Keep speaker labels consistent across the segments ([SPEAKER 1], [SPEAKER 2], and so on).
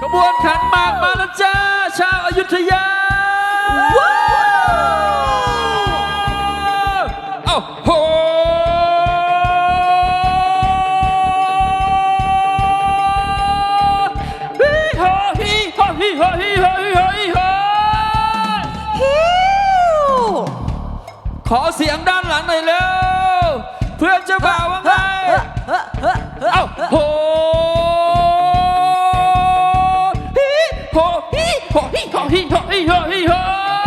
[SPEAKER 1] บวนขันหมากมาแล้วจ้าชาวอยุธยาเอ้าโหขอเสียงด้านหลังหน่อยเร็วเพื่อนเจ้าบ่าวว่าไงเอ้าโหฮิโหฮิโหฮิโหฮิโหฮิโหฮิโห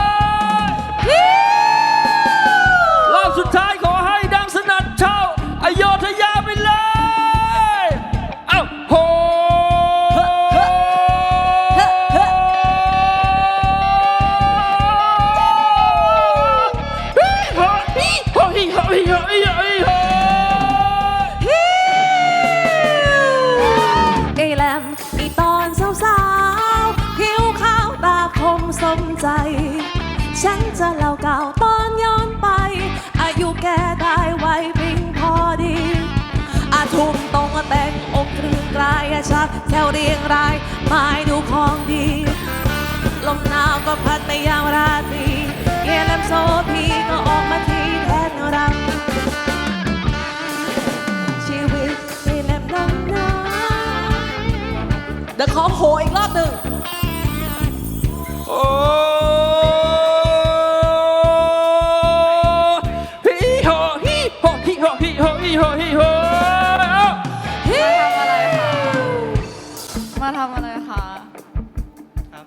[SPEAKER 1] รอบสุดท้ายขอให้ดังสนั่นชาวอโยธยาไปเลยเอ้าโห
[SPEAKER 2] สมใจฉันจะเล่าเก่าตอนย้อนไปอายุแกได้ไวพิงพอดีอาทุ่มตรงแต่งอกกลืนกลายชักแถวเรียงรายหมายดูของดีลมหนาวก็พัดไปยามราตรีเยลมโซพีก็ออกมาทีแทนรังชีวิตเยลมน้ำน้ำเดี๋ยวขอโผล่อีกรอบหนึ่ง
[SPEAKER 1] โอ้ฮิโหฮิโหฮิโหฮิโหฮิโหฮิโห
[SPEAKER 3] มาทำอะไรคะครับ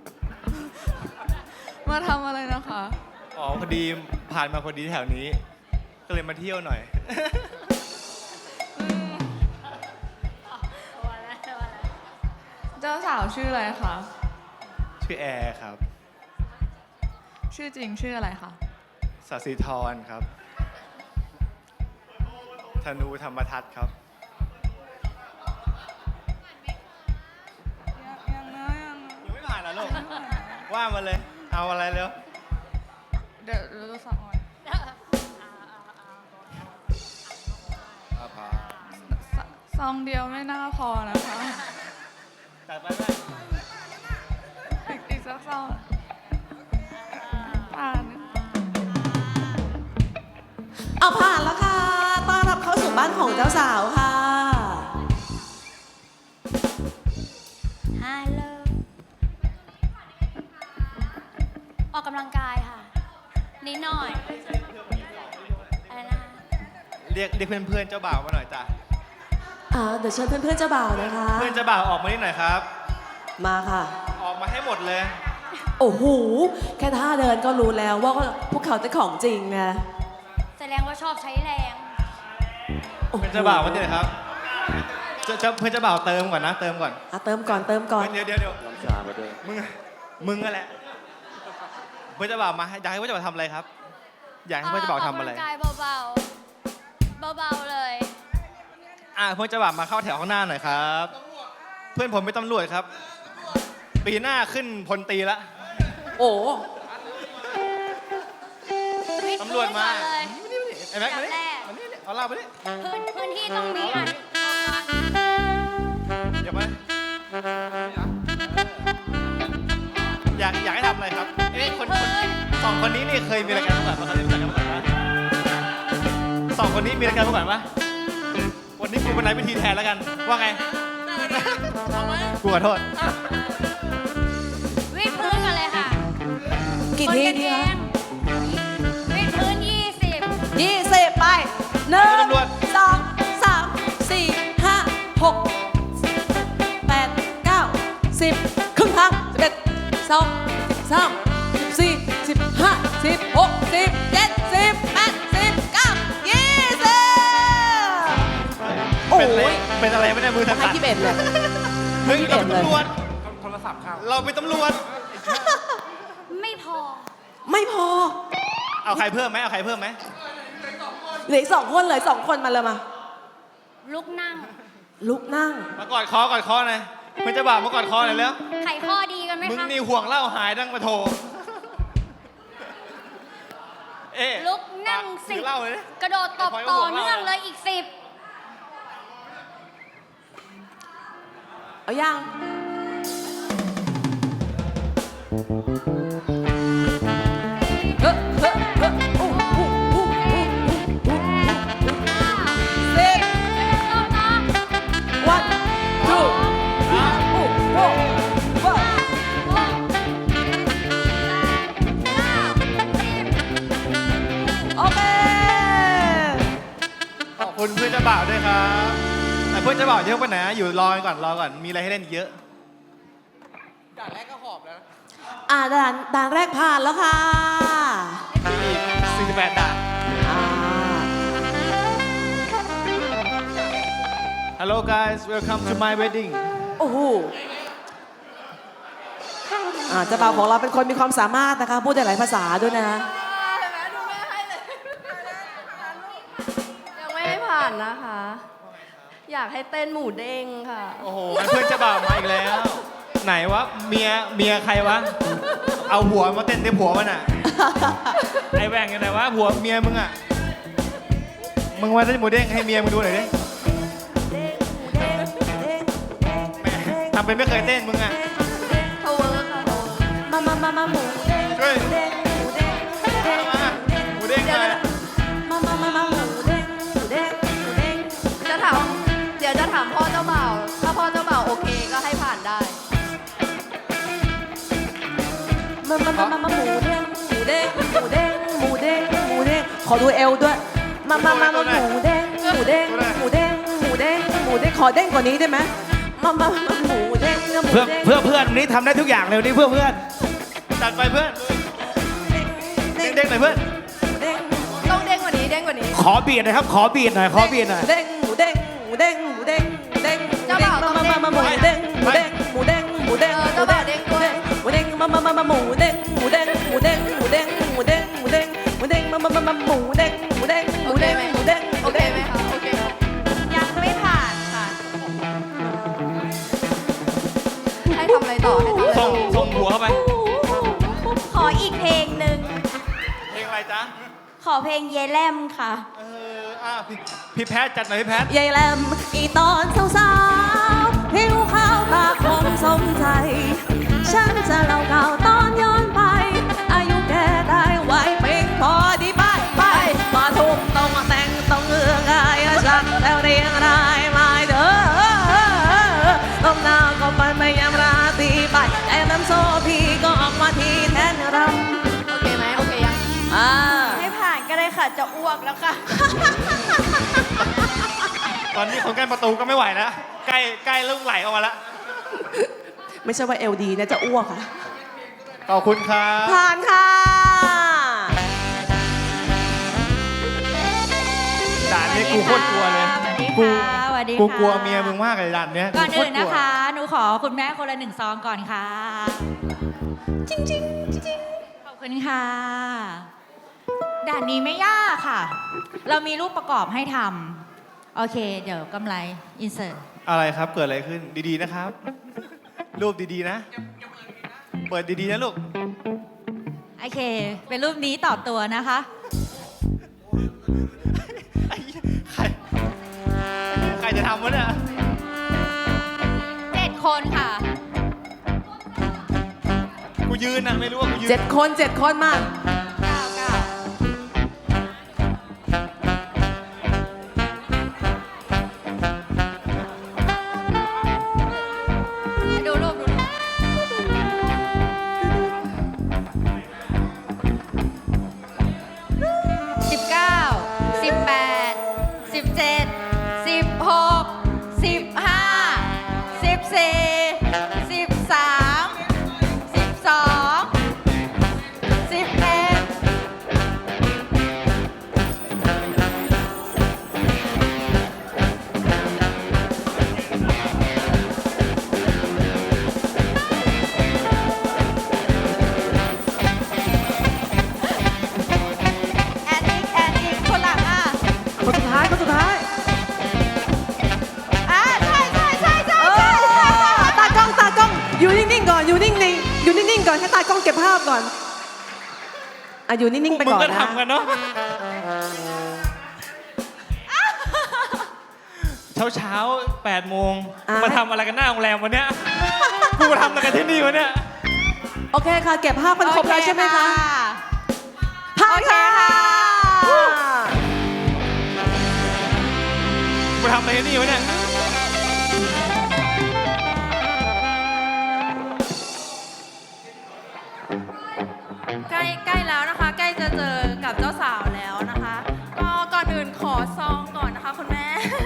[SPEAKER 3] มาทำอะไรนะคะ
[SPEAKER 4] อ๋อพอดีผ่านมาพอดีแถวนี้ก็เลยมาเที่ยวหน่อย
[SPEAKER 3] เจ้าสาวชื่ออะไรคะ
[SPEAKER 4] ชื่อแอร์ครับ
[SPEAKER 3] ชื่อจริงชื่ออะไรคะ
[SPEAKER 4] ศศิธรครับธนูธรรมทัศน์ครับ
[SPEAKER 3] ยัง
[SPEAKER 4] ไม่ผ่านเหรอลูกว่ามาเลยเอาอะไรเร็ว
[SPEAKER 3] เดี๋ยวเราสั่งก่อนซองเดียวไม่น่าพอนะคะ
[SPEAKER 4] จัดไปไหม
[SPEAKER 3] อีกสักซองผ่าน
[SPEAKER 2] เอาผ่านแล้วค่ะต้อนรับเข้าสู่บ้านของเจ้าสาวค่ะ
[SPEAKER 5] ฮัลโหลออกกำลังกายค่ะนิดหน่อยอะไรนะ
[SPEAKER 4] เรียกเพื่อนๆเจ้าบ่าวมาหน่อยจ้ะ
[SPEAKER 2] เดี๋ยวเชิญเพื่อนๆเจ้าบ่าวนะคะ
[SPEAKER 4] เพื่อนเจ้าบ่าวออกมานิดหน่อยครับ
[SPEAKER 2] มาค่ะ
[SPEAKER 4] ออกมาให้หมดเลย
[SPEAKER 2] โอ้โหแค่ท่าเดินก็รู้แล้วว่าพวกเขาจะของจริงนะ
[SPEAKER 5] แสดงว่าชอบใช้แรง
[SPEAKER 4] เพื่อนเจ้าบ่าวมาเนี่ยครับเพื่อนเจ้าบ่าวเติมก่อนนะเติมก่อน
[SPEAKER 2] เติมก่อนเ
[SPEAKER 4] ดี๋ยวน้ำชามาด้วยมึงนั่นแหละเพื่อนเจ้าบ่าวมาอยากให้เพื่อนเจ้าบ่าวทำอะไรครับอยากให้เพื่อนเจ้าบ่าวทำอะไร
[SPEAKER 5] ออกกำลังกายเบาๆเลย
[SPEAKER 4] เพื่อนเจ้าบ่าวมาเข้าแถวข้างหน้าหน่อยครับเพื่อนผมเป็นตำรวจครับปีหน้าขึ้นพลตรีละ
[SPEAKER 2] โอ้
[SPEAKER 4] ตำรวจมาไอ้แม็กมาดิเอาเหล้าไปดิ
[SPEAKER 5] พื้นที่ตรงนี้
[SPEAKER 4] อย่าไปอยากให้ทำอะไรครับคนสองคนนี้นี่เคยมีรายการประกวดมาเคยมีรายการประกวดไหมสองคนนี้มีรายการประกวดไหมวันนี้กูเป็นนายพิธีแทนแล้วกันว่าไงกูขอโทษ
[SPEAKER 5] วิดพื้นกันเลยค่ะ
[SPEAKER 2] กี่ทีดีคะ
[SPEAKER 5] วิดพื้น
[SPEAKER 2] 20ไป1 2 3 4 5 6 8 9 10ครึ่งทาง11 12 13 14 15 16 17 18 19 20โอ้ย
[SPEAKER 4] เป็นอะไรไม่ได้มือสั่น
[SPEAKER 2] ให้21เลย
[SPEAKER 4] เราเป็นตำรวจโทรศัพท์เข้าเราเป็นตำรวจ
[SPEAKER 5] ไม่พอ
[SPEAKER 4] เอาใครเพิ่มไหมเหลืออีก
[SPEAKER 2] 2 คนเลย2 คนมาเลยมา
[SPEAKER 5] ลุกนั่ง
[SPEAKER 4] มากอดคอหน่อยเพื่อนเจ้าบ่าวมากอดคอหน่อยแล้ว
[SPEAKER 5] ไข่ข้อดีกันไหมคะ
[SPEAKER 4] มึงนี่ห่วงเหล้าหายดังมาโทร
[SPEAKER 5] ลุกนั่ง10กระโดดตบต่อเนื่องเลยอีก10
[SPEAKER 2] เอายัง
[SPEAKER 4] าบ่าวด้วยครับแต่เพื่อนเจ้าบ่าวเยอะไปไหนอยู่รอก่อนมีอะไรให้เล่นเยอะด่านแรกก็หอบแล้ว
[SPEAKER 2] ด่านแรกผ่านแล้วค่ะ
[SPEAKER 4] 48ด่าน
[SPEAKER 2] อ่า
[SPEAKER 4] Hello guys welcome to my wedding
[SPEAKER 2] โอ้โหเจ้าบ่าวของเราเป็นคนมีความสามารถนะคะ พูดได้หลายภาษาด้วยนะ
[SPEAKER 6] ยังไม่ให้ผ่านนะคะ อยากให้เต้นหมูเด้งค่ะ
[SPEAKER 4] โอ้โหงั้นเพื่อนเจ้าบ่าวมาอีกแล้ว ไหนวะเมียใครวะเอาหัวมาเต้นที่ผัวมันอ่ะ ไอแหว่งยังไงวะผัวเมียมึงอ่ะมึงมาเต้นหมูเด้งให้เมียมึงดูหน่อยดิแหม่ทำเป็นไม่เคยเต้นมึงอ่ะ
[SPEAKER 6] ทาวเวอร์ค่ะทาวเวอร์
[SPEAKER 2] มาหมูเด้ง
[SPEAKER 4] ช่วย
[SPEAKER 2] หมูเด้งหมูเด้งหมูเด้ง
[SPEAKER 4] มาหมูเด้งเลย
[SPEAKER 2] มาหมูเด้งหมูเด้งหมูเด้ง
[SPEAKER 6] เดี๋ยวจะถามพ่อเจ้าบ่าว ถ้าพ่อเจ้าบ่าวโอเคก็ให้ผ่านได้
[SPEAKER 2] มาหมูเด้งหมูเด้งหมูเด้งหมูเด้งหมูเด้งขอดูเอวด้วยมาหมูเด้งหมูเด้งหมูเด้งหมูเด้งหมูเด้งขอเด้งกว่านี้ได้ไหมมาหมูเด้งหมู
[SPEAKER 7] เพื่อ
[SPEAKER 2] เด้ง
[SPEAKER 7] เพื่อเพื่อนนี้ทำได้ทุกอย่างเลยนี่เพื่อเพื่อน
[SPEAKER 4] จัดไปเพื่อนเด้งๆหน่อยเพื่อน
[SPEAKER 2] เด้ง
[SPEAKER 6] ต้องเด้งกว่านี้เด้งกว่านี้
[SPEAKER 7] ขอบีดหน่อยครับ ขอบีดหน่อย ขอบีดหน่อย
[SPEAKER 2] เด้งหมูเด้งหมูเด้งหมูเด้งเด้ง
[SPEAKER 6] เจ้าบ่าวต้องเด้ง
[SPEAKER 2] มาหมูเด้งหมูเด้งหมูเด้งหมูเด้ง
[SPEAKER 6] เจ้าบ่าวเด้งด้วย
[SPEAKER 2] หมูเด้งมาหมูเด้งหมูเด้งหมูเด้งหมูเด้งหมูเด้งหมูเด้งหมูเด้งมาหมูเด้งหมูเด้งหมูเด้งหมูเด้ง
[SPEAKER 6] โอเคไหมคะ โอเค
[SPEAKER 5] ยังไม่ผ่านค่ะ
[SPEAKER 6] ให้ทำอะไรต่อ ให้ทำอะไรต่อ
[SPEAKER 4] ส่งหัวเข้าไป
[SPEAKER 5] ขออีกเพลงหนึ่ง
[SPEAKER 4] เพลงอะไรจ๊ะ
[SPEAKER 5] ขอเพลงเยแลมค่ะ
[SPEAKER 4] พี่แพทจัดหน่อยพี่แพท
[SPEAKER 2] ยายแหลมอีตอนสาวๆผิวขาวตาคมสมใจ ฉันจะเล่าข่าวตอนย้อนไป อายุแกได้ไว้เพียงพอดีไปมาทุ่มต้องแต่งต้องเอื้องกายฉันแล้วเรียงรายมาเด้อต้องหน้าก็ไปไม่ยามราตรีไปแต่น้ำโซพี่ก็ออกมาทีแทนรำ
[SPEAKER 6] โอเคไหมโอเคยัง
[SPEAKER 5] ให้ผ่านก็ได้ค่ะ จะอ้วกแล้วค่ะ
[SPEAKER 4] ตอนนี้คนใกล้ประตูก็ไม่ไหวแล้ว ใกล้ลูกไหลออกมาแล้ว
[SPEAKER 2] ไม่ใช่ว่าเอลดีนะจะอ้วกค่ะ
[SPEAKER 4] ขอบคุณครับ
[SPEAKER 2] ผ่านค่ะ
[SPEAKER 4] ด่านนี้กูโคตรกลัวเลย
[SPEAKER 8] สวัสดี
[SPEAKER 4] กู
[SPEAKER 8] ค่ะสวัสดีค่ะ
[SPEAKER 4] กูกลัวเมียมึงมากเลยด่านเนี้ย
[SPEAKER 8] ก่อน
[SPEAKER 4] โค
[SPEAKER 8] อื่
[SPEAKER 4] ต
[SPEAKER 8] น
[SPEAKER 4] รกลั
[SPEAKER 8] นะ
[SPEAKER 4] ว
[SPEAKER 8] คะ หนูขอคุณแม่คนละ1 ซองก่อนค่ะ จริงขอบคุณค่ะ ด่านนี้ไม่ยากค่ะ เรามีรูปประกอบให้ทำโอเค เดี๋ยวกำไรอินเสิร์ต
[SPEAKER 4] อะไรครับ เกิดอะไรขึ้น ดีๆนะครับ รูปดีๆนะ เปิดดีๆนะลูก
[SPEAKER 8] โอเค เป็นรูปนี้ต่อตัวนะคะ
[SPEAKER 4] ไอ้เหี้ยใครจะทำวะเนี่ย
[SPEAKER 8] 7 คนค่ะ
[SPEAKER 4] กูยืนนะไม่รู้ว่ากูยืน
[SPEAKER 2] 7 คนมา
[SPEAKER 8] ดูรูปดูรูป
[SPEAKER 2] คนสุดท้าย ตากล้อง อยู่นิ่งๆก่อน อยู่นิ่งๆก่อนให้ตากล้องเก็บภาพก่อนอยู่นิ่งๆไป
[SPEAKER 4] มึง
[SPEAKER 2] ก่อน
[SPEAKER 4] ก็
[SPEAKER 2] นะ
[SPEAKER 4] ทำกันเนาะ เช้า8 โมง มาทำอะไรกันหน้าโรงแรมวันเนี้ย กูมาทำอะไรกันที่นี่วะเนี่ย
[SPEAKER 2] โอเคค่ะ เก็บภาพเป็นครบแล้วใช่ไหมคะผ่านค่ะ
[SPEAKER 4] กูทำอะไรกันนี่วะเนี่ย
[SPEAKER 3] ใกล้แล้วนะคะ ใกล้จะเจอกับเจ้าสาวแล้วนะคะ ก็ก่อนอื่นขอซองก่อนนะคะคุณแม่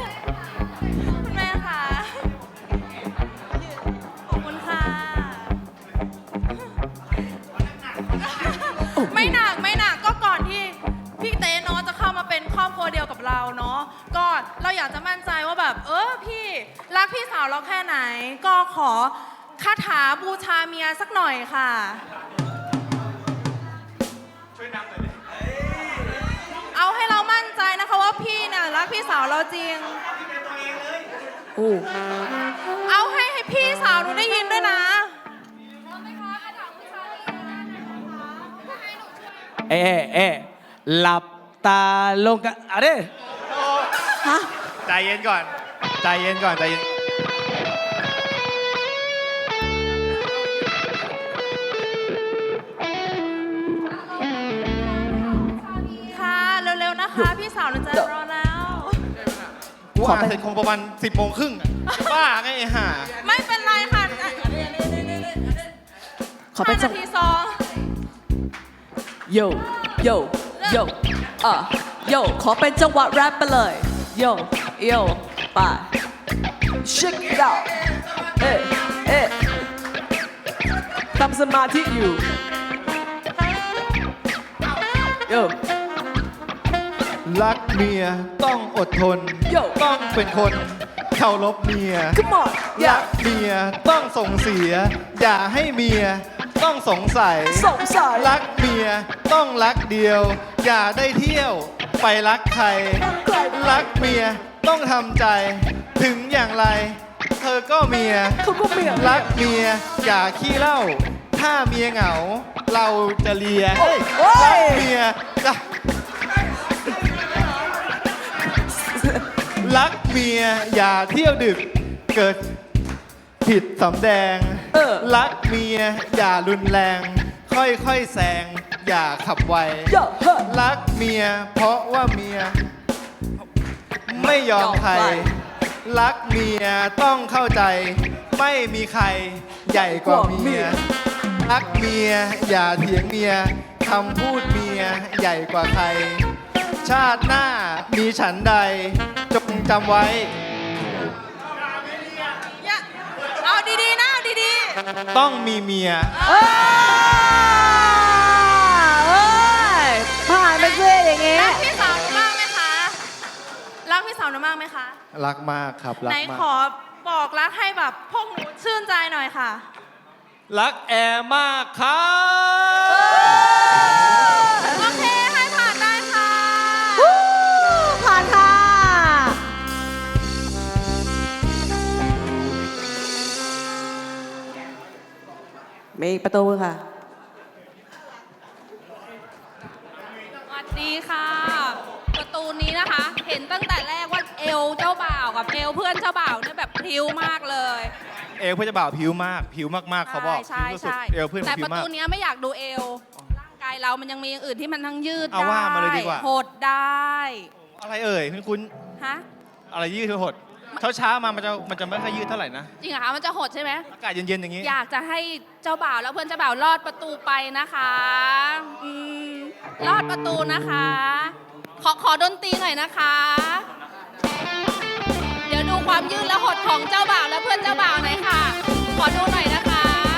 [SPEAKER 3] ไม่หนักก็ก่อนที่พี่เต้เนาะจะเข้ามาเป็นครอบครัวเดียวกับเราเนาะก็เราอยากจะมั่นใจว่าแบบพี่รักพี่สาวเราแค่ไหน ก็ขอคาถาบูชาเมียสักหน่อยค่ะ เอาให้เรามั่นใจนะคะว่าพี่เนี่ยรักพี่สาวเราจริง เอาให้พี่สาวหนูได้ยินด้วยนะ
[SPEAKER 7] หลับตาลงกันอะไร
[SPEAKER 2] ฮะ
[SPEAKER 4] ใจเย็นก่อน ใจเย็นก่อน ใจเย็น
[SPEAKER 3] ค่ะเร็วๆนะคะ พี่สาวหนูจะรอแล้ว
[SPEAKER 4] กูอ่านเสร็จคงประมาณ10 โมงครึ่งอะบ้าไงไอ้ห่า
[SPEAKER 3] ไม่เป็นไรค่ะ
[SPEAKER 2] ขอเป็นจัง
[SPEAKER 3] 5 นาทีซอง
[SPEAKER 2] โยโยโยโยขอเป็นจังหวะแรปไปเลยโยโยไป shake it out ทำสมาธิอยู่โย
[SPEAKER 4] รักเมียต้องอดทน
[SPEAKER 2] โย่
[SPEAKER 4] ต้องเป็นคนเคารพเมีย
[SPEAKER 2] come on
[SPEAKER 4] รักเมียต้องส่งเสีย อย่าให้เมียต้องสงสัย
[SPEAKER 2] สงสัย
[SPEAKER 4] รักเมียต้องรักเดียว อย่าได้เที่ยวไปรักใคร รักเมียต้องทำใจ ถึงอย่างไร เธอก็เมีย
[SPEAKER 2] เขาก็เมีย
[SPEAKER 4] รักเมียอย่าขี้เหล้า ถ้าเมียเหงา เราจะเลียเฮ้ยรักเมียจะรักเมียอย่าเที่ยวดึก เกิดผิดสำแดง รักเมียอย่ารุนแรง ค่อยๆแซงอย่าขับไว
[SPEAKER 2] โยเฮ้ย
[SPEAKER 4] รักเมียเพราะว่าเมียไม่ยอมใคร รักเมียต้องเข้าใจ ไม่มีใครใหญ่กว่าเมีย รักเมียอย่าเถียงเมียคำพูดเมียใหญ่กว่าใคร ชาติหน้ามีฉันใดจงจำไว้
[SPEAKER 3] เอาดีๆนะเอาดี
[SPEAKER 4] ต้องมีเมีย
[SPEAKER 2] ผ่านไปสิอย่าง
[SPEAKER 3] ๆ
[SPEAKER 2] งี้
[SPEAKER 3] รักพี่สาวหนูมากไหมคะ รักพี่สาวหนูมากไหมคะ
[SPEAKER 4] รักมากครับรั
[SPEAKER 3] ไหน
[SPEAKER 4] กมา
[SPEAKER 3] ขอก บอกรักให้แบบพวกหนูชื่นใจหน่อยค่ะ
[SPEAKER 1] รักแอร์มากครับ
[SPEAKER 3] โอเค ให้ผ่านได้ค่ะ
[SPEAKER 2] ผ่านค่ะ มีประตูค่ะ
[SPEAKER 9] สวัสดีค่ะ ประตูนี้นะคะ เห็นตั้งแต่แรกว่าเอวเจ้าบ่าวกับเอวเพื่อนเจ้าบ่าวเนี่ยแบบพริ้วมากเลย
[SPEAKER 4] เอวเพื่อนเจะบ่าวผิวมาก ผิวมากๆเขาบอก
[SPEAKER 9] ใช่
[SPEAKER 4] ผิวสุด
[SPEAKER 9] ใช่
[SPEAKER 4] ๆเอวเพื่อน
[SPEAKER 9] แต่
[SPEAKER 4] ผิ
[SPEAKER 9] ป
[SPEAKER 4] ว
[SPEAKER 9] ระ
[SPEAKER 4] มาก
[SPEAKER 9] ตูเนี้ยไม่อยากดูเอว ร่างกายเรามันยังมีอย่างอื่นที่มันทั้งยืด
[SPEAKER 4] เอา
[SPEAKER 9] ได้
[SPEAKER 4] ว่ามาเลยดีกว่า
[SPEAKER 9] หดได้
[SPEAKER 4] อะไรเอ่ยคุณ
[SPEAKER 9] ฮะ
[SPEAKER 4] อะไรยืดหดเช้าๆมามันจะไม่ค่อยยืดเท่าไหร่นะ
[SPEAKER 9] จริงเหรอคะมันจะหดใช่ไหม
[SPEAKER 4] อากาศเย็นๆอย่างนี้
[SPEAKER 9] อยากจะให้เจ้าบ่าวแล้วเพื่อนเจ้าบ่าวลอดประตูไปนะคะลอดประตูนะคะ ขอดนตรีหน่อยนะคะ เดี๋ยวดูความยืดและหดของเจ้าบ่าวและเพื่อนเจ้าบ่าวหน่อยค่ะ ขอดูหน่อยนะคะ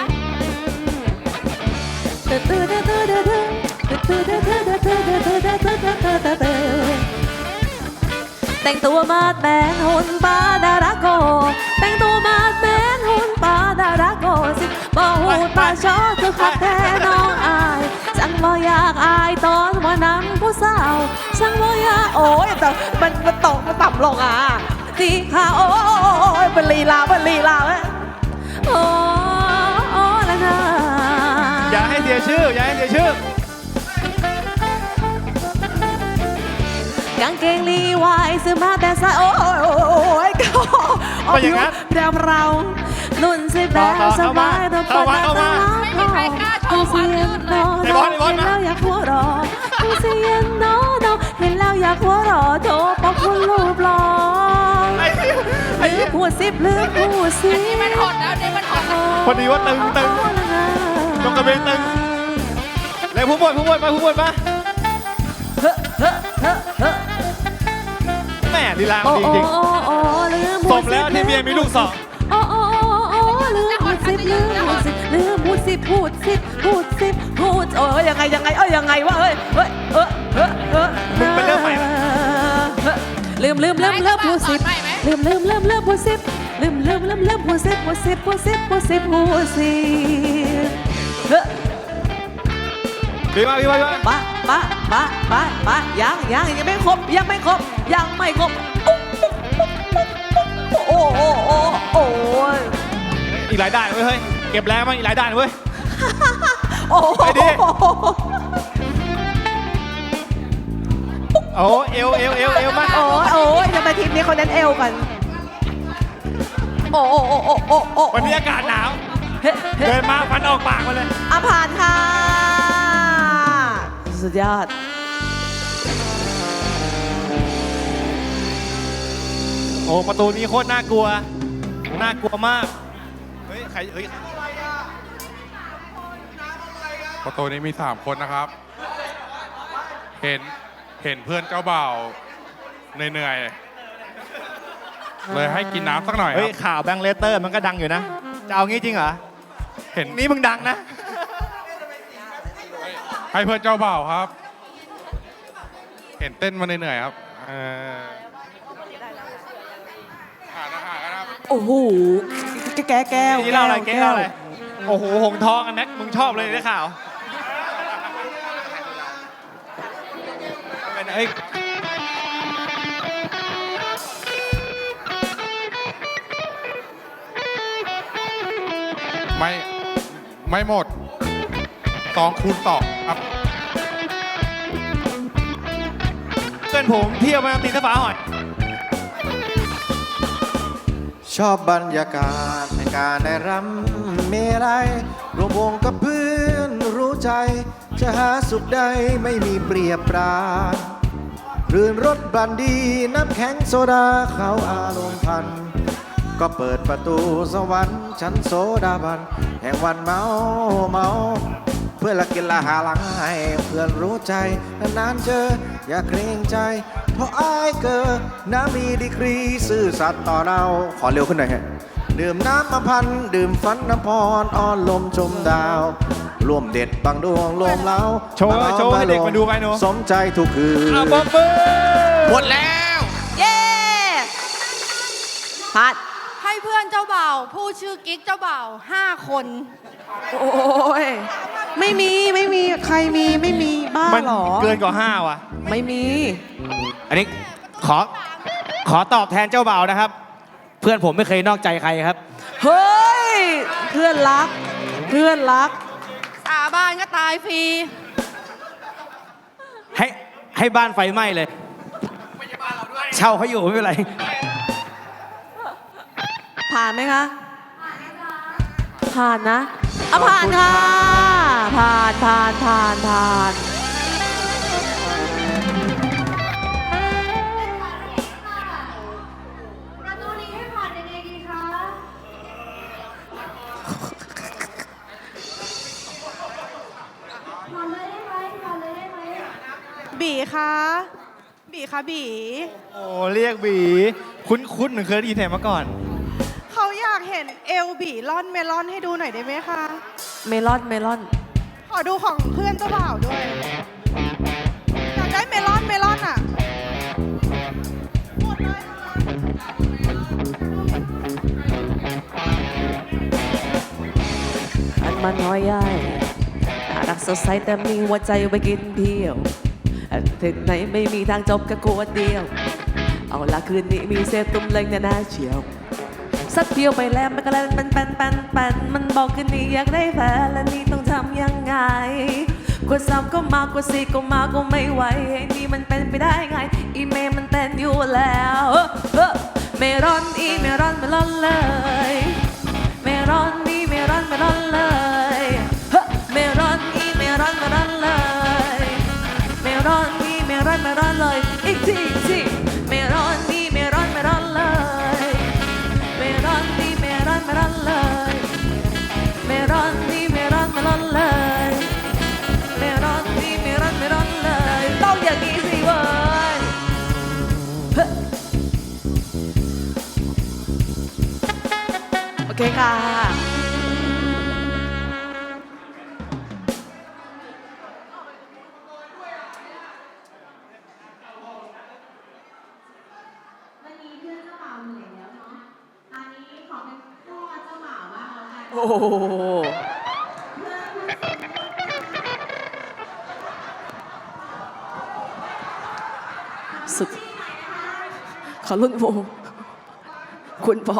[SPEAKER 2] แต่งตัวมาดแมนหุ่นปาดาราโก แต่งตัวมาดแมนหุ่นปาดาราโกสิบ่หูดปาชอคือคักแท้น้องอายฉันบ่อยากอายตอนว่านำผู้สาวฉันบ่อยากโอ้ยแต่มันตกมันต่ำลงอ่ะตีขาโอ้ยเป็นลีลาเว้ยโอ้ละนะ
[SPEAKER 4] อย่าให้เสียชื่อ อย่าให้เสียชื่อ
[SPEAKER 2] กางเกงลีวายซื้อมาแต่สายโอ้ยก็
[SPEAKER 4] ก็อย่างนั้น
[SPEAKER 2] เรานุ่นสิแบบสบายตัว
[SPEAKER 4] เข้ามาเข้ามา
[SPEAKER 9] ไม่มีใครกล้าโชว์ความยืดเลย
[SPEAKER 4] ไอ้บอลไอ้บอล
[SPEAKER 2] เห็น
[SPEAKER 4] มา
[SPEAKER 2] แล้วอยากหัวเรอกูเสียนโนเห็นแล้วอยากหัวเรอโถปอกคุณรูปหล่อ
[SPEAKER 4] ไอ้
[SPEAKER 2] ลืมพูดสิลืมพูดสิ
[SPEAKER 9] นี่มันหดแล้วนี่มันหดแล้ว
[SPEAKER 4] พอดีว่าตึงตรงกระเบนตึงแล้วผู้บวชมาผู้บวชมาแม่ลีลาดีจริงสมแล้วที่เมียมีลูกสอง
[SPEAKER 2] ลืมพูดสิเอ้ยยังไงยังไงเอ้ยยังไงวะเอ้ยเอ้ย
[SPEAKER 4] มึงไปเริ่มใหม่ไหม
[SPEAKER 2] ลืมพูดสิบลืมพูดสิบลืมพูดสิบพูดสิบ
[SPEAKER 4] พี่มา
[SPEAKER 2] ปะยังไม่ครบโอ้ย
[SPEAKER 4] อีกหลายด่านเว้ยเฮ้ยเก็บแรงมาอีกหลายด่านเว้ย
[SPEAKER 2] โอ้
[SPEAKER 4] ไปดิ โอ้เอวมา
[SPEAKER 2] โอ้ยทำไมทีมนี้เขาเน้นเอวกันโอ้
[SPEAKER 4] วันนี้อากาศหนาว เดินมาฟันออกปากมาเลย
[SPEAKER 2] ผ่านค่ะสุดยอด
[SPEAKER 4] โอ้ประตูนี้โคตรน่ากลัวมากเฮ้ยใครเฮ้ย
[SPEAKER 10] ประตูนี้มี 3 คนนะครับ เห็นเพื่อนเจ้าบ่าวเหนื่อยๆเลยให้กินน้ำสักหน่อยค
[SPEAKER 4] เฮ้
[SPEAKER 10] รั
[SPEAKER 4] ย
[SPEAKER 10] บ
[SPEAKER 4] ข่าวแบงค์เลสเตอร์มันก็ดังอยู่นะ จะเอางี้จริงเหรอ
[SPEAKER 10] เห็น
[SPEAKER 4] นี่มึงดังนะ
[SPEAKER 10] ให้เพื่อนเจ้าบ่าวครับ เห็นเต้นมาเหนื่อยๆครับหานะครับ
[SPEAKER 2] โอ้โหแก้ว
[SPEAKER 4] นี่เล่าอะไรโอ้โหหงทองอันแม็กมึงชอบเลยได้ข่าวเฮ้ย
[SPEAKER 10] ไม่หมด2 คูณ 2ครับ
[SPEAKER 4] เพื่อนผมเที่ยวมาตีสะฝาหอย
[SPEAKER 11] ชอบบรรยากาศในการได้รำเมรัยรวมวงกับเพื่อนรู้ใจ จะหาสุขใดไม่มีเปรียบปราณรื่นรสบรันดีน้ำแข็งโซดาเขาอารมณ์พัน ก็เปิดประตูสวรรค์ชั้นโซดาบัน แห่งวันเมาเพื่อนละกินละหาหลังให้เพื่อนรู้ใจนานๆเจออย่าเกรงใจ เพราะอายเกิดน้ำมีดีกรีซื่อสัตย์ต่อเราขอเร็วขึ้นหน่อยฮะดื่มน้ำมาพันดื่มฝันน้ำพรอ้อนลมชมดาวร่วมเด็ดบางดวงรวมเล้า
[SPEAKER 4] โชว์ให้เด็กมาดูไปหนู
[SPEAKER 11] สมใจทุกคืน
[SPEAKER 4] บ๊อบเบิ้ล
[SPEAKER 11] หมดแล้ว
[SPEAKER 2] เย้พัด
[SPEAKER 3] ให้เพื่อนเจ้าบ่าวผู้ชื่อกิ๊กเจ้าบ่าว5 คน
[SPEAKER 2] โอ้ยไม่มีใครมีไม่มีบ้า
[SPEAKER 4] มัน
[SPEAKER 2] เหรอ
[SPEAKER 4] เกินกว่า5ว่ะ
[SPEAKER 2] ไม่มี
[SPEAKER 7] อันนี้ขอตอบแทนเจ้าบ่าวนะครับ เพื่อนผมไม่เคยนอกใจใครครับ
[SPEAKER 2] เฮ้ยเพื่อนรัก
[SPEAKER 3] สาบานก็ตายฟรี
[SPEAKER 7] ให้บ้านไฟไหม้เลย เช่าเขาอยู่ไม่เป็นไร
[SPEAKER 2] ผ่านไหมคะผ่านนะผ่านค่ะผ่าน
[SPEAKER 5] ประตูนี้ให้ผ่านยังไงดีคะ ผ่านเลยได้ไหม
[SPEAKER 3] บีคะบี
[SPEAKER 4] โอ้เรียกบีคุ้นเหมือนเคยได้ยินแถมมาก่อน
[SPEAKER 3] เขาอยากเห็นเอลบีล่อนเมลอนให้ดูหน่อยได้ไหมคะ
[SPEAKER 2] เมลอน
[SPEAKER 3] ขอดูของเพื่อนเจ้าบ่าวด้วย อยากได้เมลอนอ่ะหมดเลย
[SPEAKER 2] อันมันน้อยใหญ่น่ารักสดใสแต่มีหัวใจไว้กินเที่ยวถึงไหนไม่มีทางจบแค่ขวดเดียว เอาละคืนนี้มีเซฟตุ้มเล็งน่าเชียวสักเดียวไปแล้วมันก็เล่นปันมันบอกคืนนี้อยากได้แฟนและนี่ต้องทำยังไงกว่า3ก็มากว่า4ก็มาก็ไม่ไหวไอ้นี่มันเป็นไปได้ไงอีเมลมันเต้นอยู่แล้วเมรอนเลยเมรอนนี่เมรอนเลยเมรอนนี่เมรอนเลยเมรอนนี่เมรอนเลยอีกทีเมรอนนี่เมรอนเลยเมรอนนี่เมรอนเลยเมรอนนี่เมรอนเลยเมรอนนี่เมรอนเลยต้องอย่างนี้สิเว้ยโอเคค่ะสุดขอรุ่นวงคุณพ่อ